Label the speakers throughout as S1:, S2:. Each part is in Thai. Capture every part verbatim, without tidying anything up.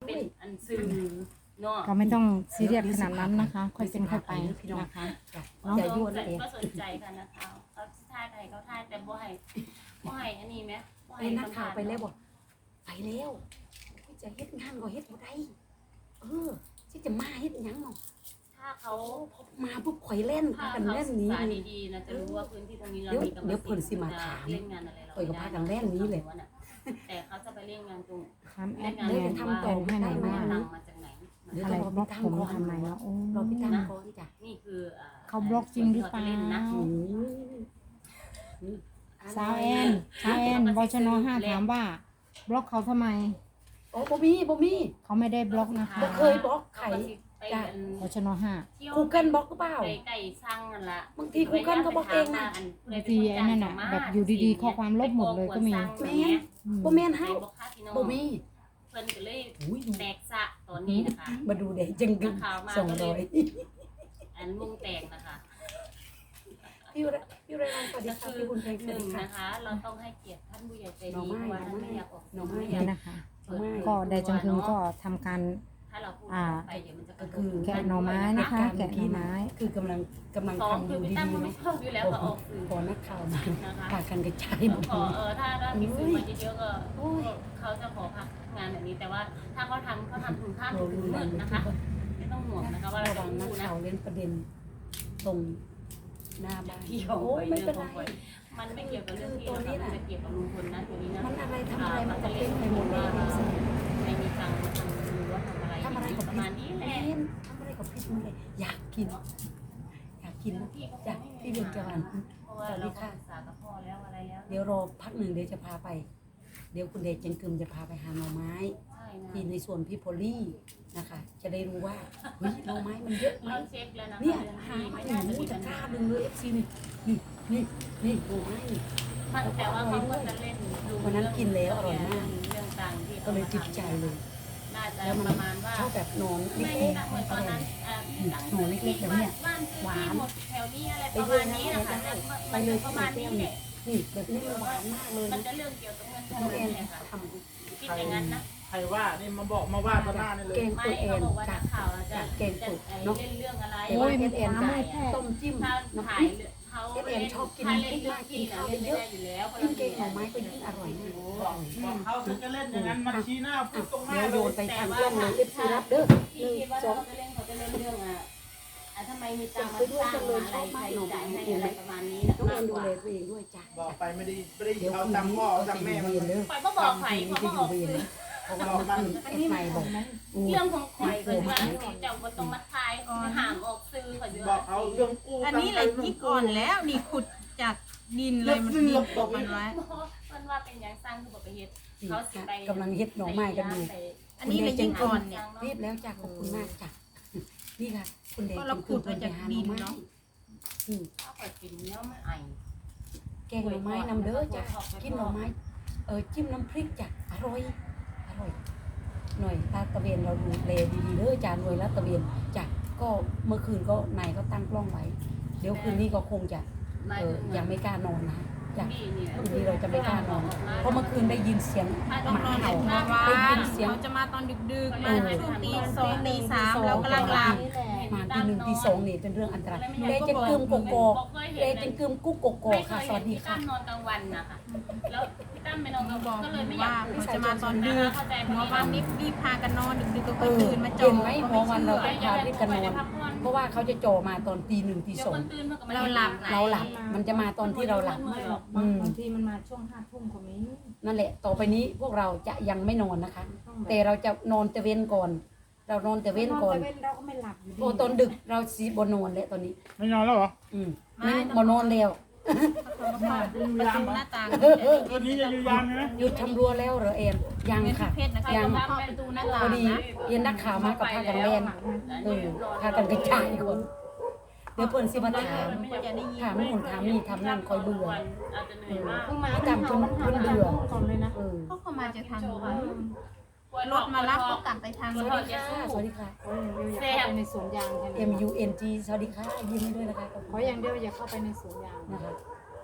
S1: เป็นอันซื่อเนาะ
S2: ก็ไม่ต้องซีเรียสขนาดนั้นนะคะค่อยเป็นค่อยไปนะคะเนาะ
S1: อย่ายั่วนะเองก็สนใจกันนะคะเขาท่ายใครเขาท่ายแต่บ่ให้บ่ให้อันนี้ไหมบ่ให้
S3: นักข่าวไปแล้วบ่ไปแล้วจะเฮ็ดงานก็เฮ็ดบ่ได้เออสิจะมาเฮ็ดหยังเนาะ
S1: ถ้าเขา
S3: มาปุ๊บข่อยเล่น
S1: ถ้า
S3: กัน
S1: เขา
S3: เล่น
S1: ศึก
S3: นี้
S1: ษาดีๆนะจะรู้ว่าพื้นที่ตรงนี้เรามีกรรม
S3: เดี๋ยวเพิ่นสิมาถาม
S1: เล่นงานอะไรเรา
S3: ข่อยก็พากันเล่นนี้เลย
S1: แต่เขาจะไปเล่นงานตรง
S2: ถามแอ
S1: เล่
S2: ด
S1: นงาน
S2: แอน
S1: ตรง
S2: ให้หน่อยว่า
S1: ตังมาจากไหน
S2: อะไรบล็อกผมทำไมเนาะโอ้
S3: เราไปตั้งก่อนจ้ะ
S1: นี่คือ
S2: เขาบล็อกจริงหรือเปล่า
S1: นะ
S3: โอ้ย
S2: สาวแอนสาวแอนบชนห้าถามว่าบล็อกเขาทำไม
S3: โอ้บ่มีบ่มี
S2: เขาไม่ได้บล็อกนะคะ
S3: บ่เคยบล็อกใคร จ้ะ
S2: บชนห้า
S3: กูเกิลบล็อกหรือเปล่า
S1: ไก่สั่งนั่นละ
S3: บางทีกูเกิลก็บล็อกเองนะ
S2: บางทีไอ้นั่นน่ะแบบอยู่ดีๆข้อความลบหมดเลยก็มี
S3: แม่นบ่แม่นเฮาบ่มี
S1: เพิ่นก็เลย
S3: อุ้ยดู
S1: แตกสะตอนนี้นะคะ
S3: มาดูเด็กจังกึ
S1: นักข่าวมา
S3: สอง
S1: ก็เล
S3: ร้อย
S1: ยอันมุงแตกนะคะ
S3: พี่ไรพี่ไรวันสวัสดี
S1: ก็
S3: ค่ะ
S1: คือ
S3: พี่บุญเพลงส
S1: ห
S3: วัส
S1: นึ่ง
S3: ดีค่ะ
S1: นะคะ เราต้องให้เกียรติท่านผู้ใหญ่ใจ
S3: หน่อ
S1: ดี
S3: ไม้
S1: เพราะว่าท่านไม่อยากออก
S3: หน่อไม้
S1: ไม่อ
S2: นี่
S1: ยาก
S2: นะคะ
S3: หน่อไม้
S2: ก็ได้จังคืนก็ทำการ
S1: ถ้าเราพูดไปเดี๋ยวมันจะกระ
S3: ก็
S1: ท
S3: คื
S1: บ
S3: อ
S2: แกะหน่อไม้นะคะ แกะหน่อไม้
S3: คือกำลังกำลัง
S1: สอง
S3: ทำอ
S1: คือยู่ พี่
S3: ดี
S1: ตั้ม
S3: ๆ
S1: ไม่
S3: เนาะ
S1: ชอบอยู่แล้วก็ออกสื่อ
S3: พอนักข่าวมา
S1: นะคะ
S3: พากันกระจายหมด
S1: ขอเออถ้าถ้ามีสื่อมาเยอะๆก็เขาจะขอพักงานแบบนี้แต่ว่าถ้าเขาทำเขาทำถึงข้ามถึงมืดนะคะไม่ต้องห่วงนะคะว่าเรา
S3: ระ
S1: จะ
S3: วังนัก
S1: พูดนะ
S3: ข่าวเล่นประเด็นตรงหน้าบ้าน
S1: ที่
S3: โอ้ยไม่เป็นไร
S1: มันไม่เกี่ยวกับเรื่องที่เราทำมันจะเกี่ยวกับลุงพลนะตัวนี้นะ
S3: มันอะไรทำอะไรมันจะเล่นไปหมดเลย
S1: ไม่มีตังค์มาทำหรือว่าทำอะไร
S3: ทำอะไรกับ
S1: ประ
S3: พี่
S1: มาณนี้แหละ
S3: เล่นทำอะไรกับพี่มันเลยอยากกิน อยากกินจ้ะพี่เบียนจวัน
S1: เพราะว่าเราก็ศึกษากับพ่อแล้วอะไรแล้ว
S3: เดี๋ยวรอพักหนึ่งเดี๋ยวจะพาไป เดี๋ยวคุณเดชจังกึมจะพาไปหาหน่อไม้
S1: ใช่นะ
S3: ที่ในส่วนพี่โพลี่นะคะ จะได้รู้ว่าเฮ้ยหน่อไม้มันเยอะไหม
S1: เราเช็คแล้วนะ
S3: เนี่ย
S1: คะ
S3: หามา
S1: ไม่
S3: ห
S1: น่าจะ
S3: นู
S1: มี
S3: จะ
S1: ปัญ
S3: กล้า
S1: หา
S3: ดึงเลยเอฟซีนี่นี่นี่นี่หน่อไม้นี่
S1: มันแต่ว่าเขาก็จะเล่นดู
S3: วันนั้นกินแล้วอร่อยมาก
S1: เรื่องต่างที่
S3: ก็เลยจิตใจเลย
S1: น่าจะประมาณว่า
S3: ชอบแบบนอน
S1: ไม่
S3: เล็ก
S1: ได้เหมือน
S3: ๆ
S1: ต
S3: อ
S1: อน
S3: ร่อ
S1: นั้
S3: ย
S1: นอ่า
S3: หนูเล็กๆแบบเนี้ย
S1: บ้านซื้อ
S3: หวาน
S1: ที่หมดแถวนี้อะไรประมาณนี้นะคะ
S3: ไปเลย
S1: ประมาณนี้แหละ
S3: นี่แบบนี้มันหวานมากเลย
S1: มั
S3: นะ
S1: นจะเรื่องเกี่ยวกับเงินทอง
S3: น้องแอน
S1: นี่แหละค่ะ
S3: ทำ
S1: คิดอย่างนั้นนะ
S4: ใครว่านี่มาบอกมาว่าต่อหน้านี่เลย
S3: แกง
S1: ไม่
S3: ตัวเอ
S1: เขา
S3: น
S1: บอกว่า
S3: จา
S1: นั
S3: ก
S1: กข่าวจะ
S3: จากแกง
S1: จะ
S3: ตุ๋น
S1: เอ่อ
S3: เนาะ
S1: เล่นเรื่องอะไร
S3: แต่ว่าเอสเอ็นจะต้มจิ้ม
S1: ถ้า
S3: น้ำพ
S1: ถ่าย
S3: ริก
S1: เขา
S3: เอสเอ็นชอบกิน
S1: ถ้า
S3: พริ
S1: เล่น
S3: ก
S1: เรื่อ
S3: มาง กกิ
S1: ที่
S3: น
S1: นะ
S3: ข้าว
S1: เล่น
S3: เย
S1: ไม่
S3: อะ
S1: ได้อยู่แล้ว
S3: ๆยิ่งแกงหน่อไม้ก็ยิ่งอร่อยมาก
S4: บอกบอกเขาถึงจะเล่นอย่างนั้นมาชี้หน้าพูดตรงหน้า
S3: เดี๋ยว
S4: เล
S3: โย
S4: ย
S3: นไปทางกล้องเลยเอฟซีรับเด้อห
S1: ที่
S3: นึ่ง
S1: คิดว่า
S3: สอง
S1: เขาจะเล่นเขาจะเล่นเรื่องอ่ะอ่ะทำไมมีตังค์มาสร้างอะไรใครจ่ายให้อะไรประมาณนี้นะ
S3: น้องแอ
S1: มาก
S3: น
S1: ก
S3: ดู
S1: ว่า
S3: แลตัวเองด้วยจ้ะ
S4: บอกไปไม่ได้ไม่ได้
S3: เดี๋ยว
S4: เอา
S3: คืน
S4: ตังค์
S3: นี้
S4: พ่อเอา
S3: เรา
S4: ตั
S3: จะ
S4: งค์
S3: อ
S4: แม่
S3: ยู่
S4: มา
S3: เวรเด้อ
S1: ปล่อยก็บอกไข่เขา
S3: จะ
S1: ก็
S3: อบ
S1: อยู่ ก
S3: เวร
S1: คือ
S3: นะเพราะว่าเมื่อคืนเอฟไนบอกอู้
S1: เรื่องของข่อยคือว่าเจ้าก็ต้องมาทายห่างออกซื้อข่อย
S4: บอกเขาเรื่องกู้
S5: อันนี้แหละยิ่งอ่อนแล้วนี่ขุดจากดินเลยมันดินตกมันไว้
S1: มันว่าเป็นอย่างสร้างคือบอกไปเฮ็ด
S3: นี่
S1: เขาสิ
S3: ค่ะ
S1: ไป
S3: กำลังเฮ็ดหน่อไม้กันอยู่
S5: อันนี้เลยยิ่งอ่อนเนี่ย
S3: รีบแล้วจ้ะขอบคุณมากจ้ะนี่ค่ะคุณเดช
S5: เพราะเราขุดมาจากดินเนาะ
S3: อืม
S1: ถ้าข่อยกินเนี้ยไม่ไอ
S3: แกงหน่อไม้นำเด้อจ้ะกินหน่อไม้เออจิ้มน้ำพริกจ้ะอร่อยอร่อยหน่อยลาดตระเวนเราดูแลดีๆเด้อจ้ะหน่วยลาดตระเวนจ้ะก็เมื่อคืนก็นายก็ตั้งกล้องไว้ เดี๋ยวคืนนี้ก็คงจะเออยังไม่กล้านอนนะจ้ะคืนนี้เราจะไม่กล้านอน เพราะเมื่อคืนได้ยินเสียงห
S5: ต้อง
S3: มาน
S5: อน
S3: เห่า
S5: แต่เมื่อ
S3: ได้
S5: วา
S3: ยิ
S5: น
S3: นเสียง
S5: เขาจะมาตอนดึกๆมาช่วงตีสองตีสามเรากำลังหลับ
S3: มาที่หนึ่งที่สองนี่เป็นเรื่องอันตรายเดจังกึมกกอกเดจังกึมกุ๊กกกอกค่ะสวัสดีค่ะ
S1: พี่ตั้มนอนกลางวันนะคะแล้วพี่ตั้มไม่นอนกลาง
S5: บ
S1: วั
S5: อน ก
S1: ก็เลยไม่อยา
S5: ว่าก เขาจะมาตอนดึก
S1: เข้าใจ
S5: หมอวันนี้รีบพากันนอนดึกๆก็
S3: เอ
S5: ค่อย
S3: อ
S5: ตื่นมาจ
S3: เห็
S5: อน
S3: ไหมหมอวันเราต้องพาที่กันนอน เพราะว่าเขาจะจ่อมาตอนตีหนึ่งตี
S1: เดี๋ย
S3: ส
S1: ว
S3: อง
S1: คนตื่นมันก็ไม่
S5: เราหลับ
S3: เราหลับมันจะมาตอนที่เราหลับ
S2: ไม่หรอกบางบางทีมันมาช่วงห้าทุ่มก็มี
S3: นั่นแหละ ต่อไปนี้พวกเราจะยังไม่นอนนะคะ แต่เราจะนอนแต่เว้นก่อน เรานอนแต่เว้นก่อน
S2: เว้นเราก็ไม่หลับอยู่ดี
S3: โอ้ตอนดึกเราสีบนอนแล้วตอนนี้
S4: ไม่นอนแล้วเหรอ
S3: อืมไม่บนอนแล้ว
S5: ประตูหน้าต่าง
S4: วันนี้จะอยู่ยามไหม
S3: หยุดทำรั้วแล้วเหรอเอ็มยัง
S5: เป็น
S3: ค่ะ
S5: เพชรนะคะ
S3: ยัง
S5: เข้าประตูหน้า
S3: พ
S5: ต่าง
S3: อดี
S5: นะ
S3: เย็นนักข่าวมากับพากันเล่นเออพากันกระจายคนเดี๋ยวเพิ่นสิมาถาม
S5: ก็จะได้ยิน
S3: ถามนู่นถามนี่ทำนั่นคอยเบื่อ
S1: อาจจะเหนื่อยมาก
S2: เพิ่งมาจำจนเพิ่นเบื่อก่อนเลยนะ
S3: เออ
S5: เขาก็มาจากทางนู้นรถมารับก็กลับไปทาง
S3: ส
S5: นู้
S3: วัน สดีค่ะ สวัสดีค่ะ
S2: ขออย่างเดียวอย่าเข้าไปในสวนยางแค่นั้น
S3: M U N G สวัสดีค่ะยิ้มให้ด้วยนะคะขอบ
S2: ข
S3: คุ
S2: อ
S3: ณ
S2: อย่างเดียวอย่าเข้าไปในสวนยาง
S3: นะคะ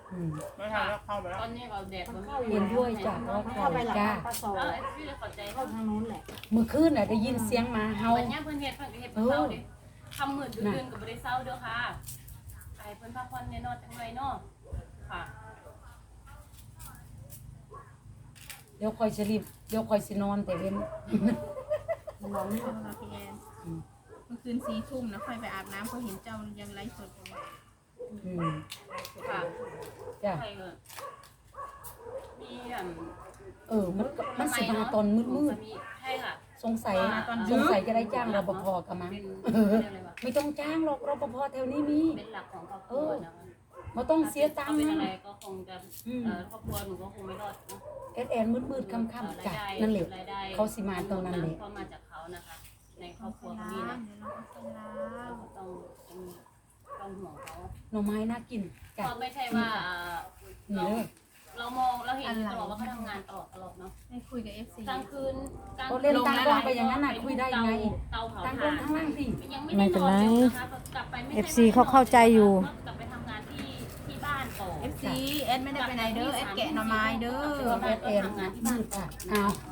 S3: อืม
S4: ไม่ทันแล้วเข้าไปแล้ว
S1: ตอนนี้เราแดดมัน
S3: เห็นด้วยจ้ะ
S2: เข้าไปหลัง
S3: จ้า
S2: บ้านป้าซอ
S1: เออที่เราเข้าใจ
S2: เข้าทางนู้นแหละ
S3: เมื่อคืนน่ะได้ยินเสียงหมาเฮา
S1: วันนี้เพื่อนเฮ็ดเพื่อนก็เฮ็ดเพื่อนเศร้าดิทำมือดื้อๆกับบริเศร้าเด้อค่ะไอ้เพื่อนพักผ่อนแน่นอนจังเลยเนาะค่ะ
S3: เดี๋ยวคอยสิรีบเดี๋ยวคอยสินอนแต่เว้น
S5: นอนไม่หลับค่ะพี่แอนเมื่อคืนสี่ทุ่มนะค่อยไปอาบน้ำก็เห็นเจ้ายังไลฟ์สดอยู่
S3: อืม
S1: ค่ะ
S3: จ้ะ
S1: ใครเอ่ยมีอ่ะ
S3: เออมันก็มันสิมาตอนมืด
S1: ใช่ค่ะ
S3: ๆสงสัยสงสัยจะได้จ้างรปภกลับมา
S1: เป็น
S3: เออ
S1: เรียกอะไรวะ
S3: ไม่ต้องจ้างหรอกรปภแถวนี้มี
S1: เป็นหลักของครอบครัวนะคะ
S3: บ่ต้องเสียตังค์
S1: เป็น
S3: นะ
S1: อะไรก็คงจะเอ่อครอบครัวหนูก็คงไม่รอดเนอะ
S3: แอดแอนมืดๆค่ำๆจ้ะนั่นแหละ
S1: รายได้
S3: เขาสิมาตรงนั้นแหละ
S1: ก็มาจากเขานะคะ ในครอบครัว
S5: ล้า
S1: เขานี่นะ
S5: งเดี๋ยวเราก็ไปล้า
S1: เรา
S5: ง
S1: ก็ต้องต้องต้องห่วงเขา
S3: หน่อไม้น่ากินจ้ะ
S1: ก็ไม่ใช่ว่าเอ่อ
S3: นี่
S1: เรา
S3: เด้อ
S1: เรามองเราเห็นตลอดว่าเขาทำงานตลอดตลอดเนาะ
S5: ให้คุยกับเอฟซี
S1: กลางคืนกลาง
S3: โอ้
S1: คื
S3: เล่นตามกล้องไปอย่างนั้นน่ะคุยได้ไง
S1: เตาเผา
S3: ตั้งกล้
S1: ถ่า
S3: อง
S1: น
S3: ข้างล่างสิ
S1: ยังไม่ได้นอนอยู่นะคะกลับไปไม่ใช่
S2: เอฟซีเขาเข้าใจอยู่
S1: กลับไปทำงานที่ที่บ้านต่อ
S5: เอฟซีแอดไม่ได้ไปไหนเด้อแอดแกะหน่อไม้เด้อ
S3: แอดแอนมืดจ้ะเอา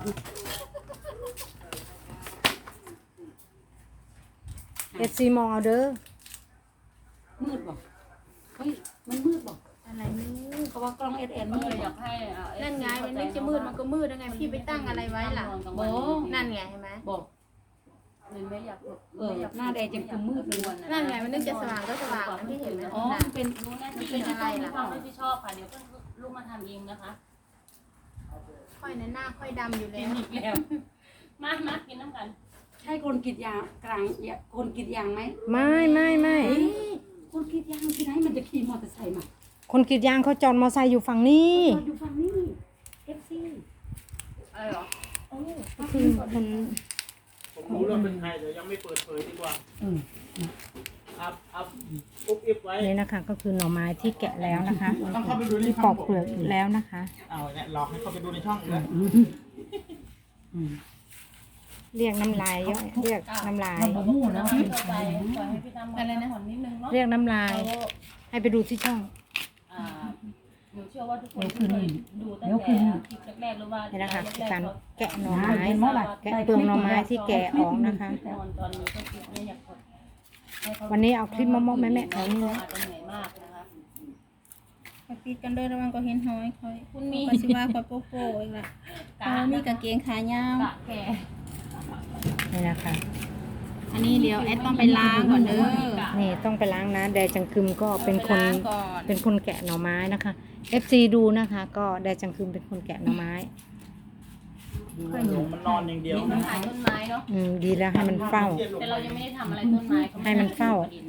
S2: เอฟซีมองเอาเด้อ
S3: มืดบ่เฮ้ยมันมืดบ่
S5: อะไรนี่
S3: เขาว่ากล้องแอดแอน
S1: ก็
S3: มื
S1: เล
S3: ด
S1: ยอ
S3: บ่
S1: ยากให้เอ่อ
S5: นั่นไงมันไม่จะมืดมันก็มืดได้ไงพี่ไปตั้งอะไรไว้ล่ะ
S3: โอ้
S5: นั่นไงเห็นไหม
S3: บอก
S1: เลยไม่อยาก
S3: เออหน้าแดงจังคือมืดเลย
S5: นั่นไงมันนึกจะสว่างก็สว่างนะพี่เห็นไหม
S3: อ๋อ
S5: น่ะ
S3: มันเป็น
S1: รู้หน้าที่นะต้องมีความรับผิดชอบค่ะเดี๋ยวเพิ่งลูกมาทำเองนะคะ
S5: ค่อยในหน้าค่อยดำอยู่
S1: กิ
S5: แล้
S1: น
S5: ว
S1: อีกแล้วมามากินน้ำกัน
S3: ใช่คนกรีดยางกลางคนกรีดยางไหม
S2: ไม่ไม่ไม่
S3: เฮ้ยคนกรีดยางที่ไหนมันจะขี่มอเตอร์ไซค์มา
S2: คนกรีดยางเขาจอดมอไซค์อยู่ฝั่งนี้
S3: จอดอยู่ฝั่งนี้เอฟซี
S1: อะไรหรอ
S3: โอ้
S2: คือคน
S4: ผมรู้แล้วเป็นใครเดี๋ยวยังไม่เปิดเผยดีกว่า
S3: อืม
S4: อัพอัพอุ๊บอิบไว้
S2: นี่นะคะก็คือหน่อไม้ที่แกะแล้วนะคะ
S4: ต้องเข้าไปดูใน
S2: ที่
S4: ช่
S2: ป
S4: อ
S2: อง กเปลือกแล้วนะคะ
S4: เอาเนี่ยหลอกให้เข้าไปดูในช่องเลย
S3: อืม
S2: เรียกน้ำลายเยอะเรียกน้ำลาย
S3: เราบ่ฮู้นะ
S1: ไม่เข้าใจปล่อยให้พี่ทำอะไรนะหอนนิดนึงเนาะ
S2: เรียกน้ำลาย
S1: แล้ว
S2: ให้ไปดูที่ช่อง
S1: อ่าหนูเชื่อว่าทุกคนเคยดูตั้งแต่คลิปแรกๆหรือว่า
S2: นี่นะคะ
S1: แรกๆ
S2: การ
S1: เขา
S2: แกะหน่อไม้แกะเปลือกหน่อไม้ที่แกะออกนะคะ
S1: นอนตอนนี้ก็คลิปนี้อยากกดให้ขา
S2: วันนี้เอาคลิปมามอบแม่แม่แถวนี้นะ
S1: อาจจะเหนื่อยมากนะคะ
S5: ไปปิดกันเด้อระวังก็เห็นหอยคอยคุณมีก็สิว่าคอยโป๊ะโป๊ะอีกละเขามีกางเกงขายาว
S1: กะแก่
S2: นี่นะคะ
S5: อันนี้เดี๋ยวแอดต้องไปล้างก่อนเด้อ
S2: นี่ต้องไปล้างนะแดจังกึมก็เป็นคน
S5: ล้างก่อน
S2: เป็นคนแกะหน่อไม้นะคะ เอฟ ซี ดูนะคะ ก็แดจังกึมเป็นคนแกะหน่อไม้
S4: หนูมันนอนอย่างเดียว
S1: นี่มันขายต้นไม้เนาะ
S2: อืมดีแล้วให้มันเฝ้า
S1: แต่เรายังไม่ได้ทำอะไรต้นไม้
S2: ให้มันเฝ้า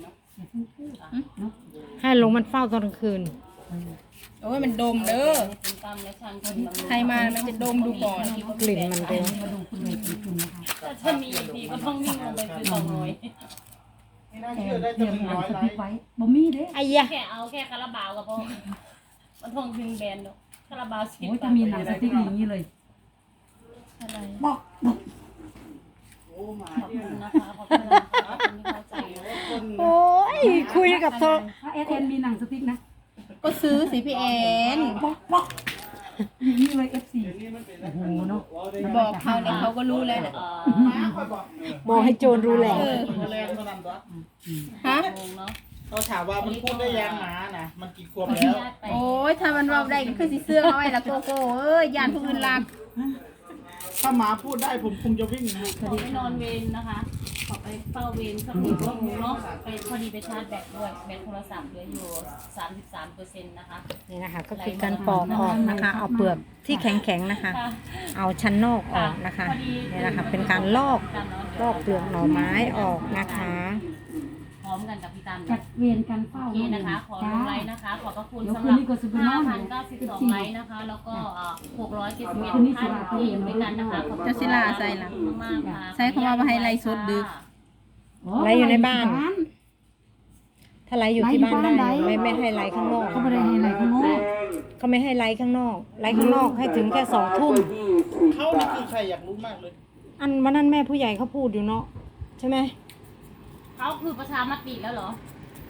S2: ให้ลงมันเฝ้าตอนกลางคืน
S5: โอ้ยมันดมเด้อ
S1: เป็นกรรมและชันคนบำรุง
S5: ใครมามันจะดมดูก่อน
S2: กลิ่นมันเร็ว
S3: มาดูคุณเลยคุณนะคะ
S1: แต่ถ้ามีอีกทีก็ต้องวิ่งลงไปซื้อสองร้อย
S4: ไม่น่า
S3: แอ
S4: เชื่อน ได้
S3: เตรี
S4: จะ
S3: ยม
S4: มี
S3: หนั
S4: ร้
S3: ง
S4: อย
S3: ส
S4: ไล
S3: ติ๊ก
S4: ค์
S3: ไว้บ่มีเด้
S2: ไอ้ยะ
S1: แค่เอาแค่คาราบาวก็พอมันทงถึงแบรนด์เนาะคาราบาวสิบ
S3: โอ้ยจะมีหนังสติ๊กอย่างนี้เลย
S5: อะไร
S3: บอกบอก
S4: โอ้หมา
S1: ขอบ
S4: เนี่ย
S1: คุณนะคะขอบคุณนะคะขอบคุณที่เข้าใจ
S4: คน
S2: โอ้ยคุยกับโทร
S3: ถ้าแอดแอนมีหนังสติ๊กนะ
S5: ก็ซื้อสิพี่แอน
S3: บอกบอกอย่างนี้เลยเอฟซี
S4: เดี๋ยวนี้มันเป็น
S3: โอ้โหเนาะ
S5: บอกเขาเนี่ยเขาก็รู้เลยแหละ
S1: เอ่อ
S4: หมาคอยบอกเออ
S2: บอกให้โจรรู้แหล่ง
S4: มาแรงเท่านั้นตัว
S5: ฮะ
S1: งงเนาะ
S4: เขาถามว่ามันพูดได้ยังหมานะมันกี่ขวบ
S1: ขออ
S4: แล้
S1: นุ
S4: ว
S1: ญาตไป
S5: โอ้ยถ้ามันเว้าได้ก็คือสิเสื้อเอาไว้ละโกโก้เอ้ยยานผู้อื่นรัก
S4: ถ้าหมาพูดได้ผมคงจะวิ่งนะ
S1: ขอไปนอนเวรนะคะ ขอไปเฝ้าเวรสักหนึ่งชั่วโมงเนาะไปพอดีไปชาร์จแบตด้วยแบตโทรศัพท์เหลืออยู่สามสิบสามเปอร์เซ็นต์นะคะ
S2: นี่นะคะ ก็คือการปอกออกนะคะ เอาเปลือกที่แข็งๆนะคะ
S1: ค่ะ
S2: เอาชั้นนอกออกนะคะ
S1: พอดี
S2: นี่นะคะ เป็นการลอกลอกเปลือกหน่อไม้ออกนะคะ
S1: พร้อมกันกับพี่ตั้ม
S3: จั
S1: นะ
S3: ดเวรกันเฝ้า
S1: โอเคนะคะ ขอลงไลค์นะคะ ขอบพระคุณ
S3: เดี๋ยว
S1: สำ
S3: คื
S1: ห
S3: น
S1: รับ
S3: นี้ก็สิบนอน
S1: ห้าพันเก้าสิบสองไลค์นะคะ แล้วก็หกร้อยเจ็ดสิบเอ็ดท่านที่อยู่ด้วยกันนะคะขอบคุณ
S5: เจ้าศิลาใส่ล่ะ
S1: มากๆค่ะ
S5: ใส่คำว่าว่าให้ไลฟ์สดดึก
S2: ไลฟ์อยู่ในบ้าน ถ้าไลฟ์อยู่ที่บ้านได้
S3: ไลฟ์อยู่บ้านได้
S2: ไม่ไม่ให้ไลฟ์ข้างนอก
S3: เขาไม่ได้ให้อะไรข้างนอก
S2: เขาไม่ให้ไลฟ์ข้างนอก ไลฟ์ข้างนอกให้ถึงแค่สองทุ่ม
S4: เขานี่คือใครอยากรู้มากเลย
S2: อันวันนั้นแม่ผู้ใหญ่เขาพูดอยู่เนาะใช่ไหม
S1: เขาคือประชามติแล้วเหรอ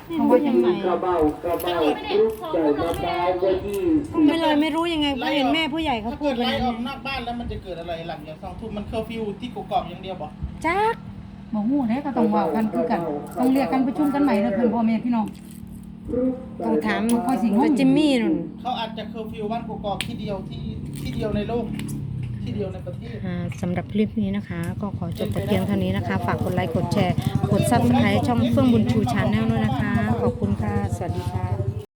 S2: เขาว่ายังไง
S6: กระเบากระเบาลุกใจมะพร้าวไว้ที่
S2: ไม่เลยไม่รู้ยังไงเพราะเห็นแม่ผู้ใหญ่เขา
S4: ถ้า
S2: พู
S4: เกิ
S2: ด
S4: ด
S2: ไป
S4: ไล่
S2: แล้ว
S4: ออกนอกบ้านแล้วมันจะเกิดอะไรหลังจากสองทุ่มมันเคอร์ฟิวที่กกอกอย่างเดียวบ่
S2: จัก
S3: บ่ฮู้เด้ก็ต้องเว้ากันคือกัน ต้องเรียกกันประชุมกันใหม่เด้อเพิ่นพ่อแม่พี่น้อง
S2: ต้องถาม
S3: ค่อยสิงง
S2: แต่จิมมี่นุ่น
S4: เขาอาจจะเคอร์ฟิวบ้านกกอกที่เดียวที่ที่เดียวในโลกที่เดียวในประเทศ
S2: อ่าสำหรับคลิปนี้นะคะ ก็ขอจบแต่เพียงเท่านี้นะคะ ฝากกดไลค์กดแชร์กดซับสไครต์ช่องเฟื่องบุญชูชาแนลด้วยนะคะ ขอบคุณค่ะ สวัสดีค่ะ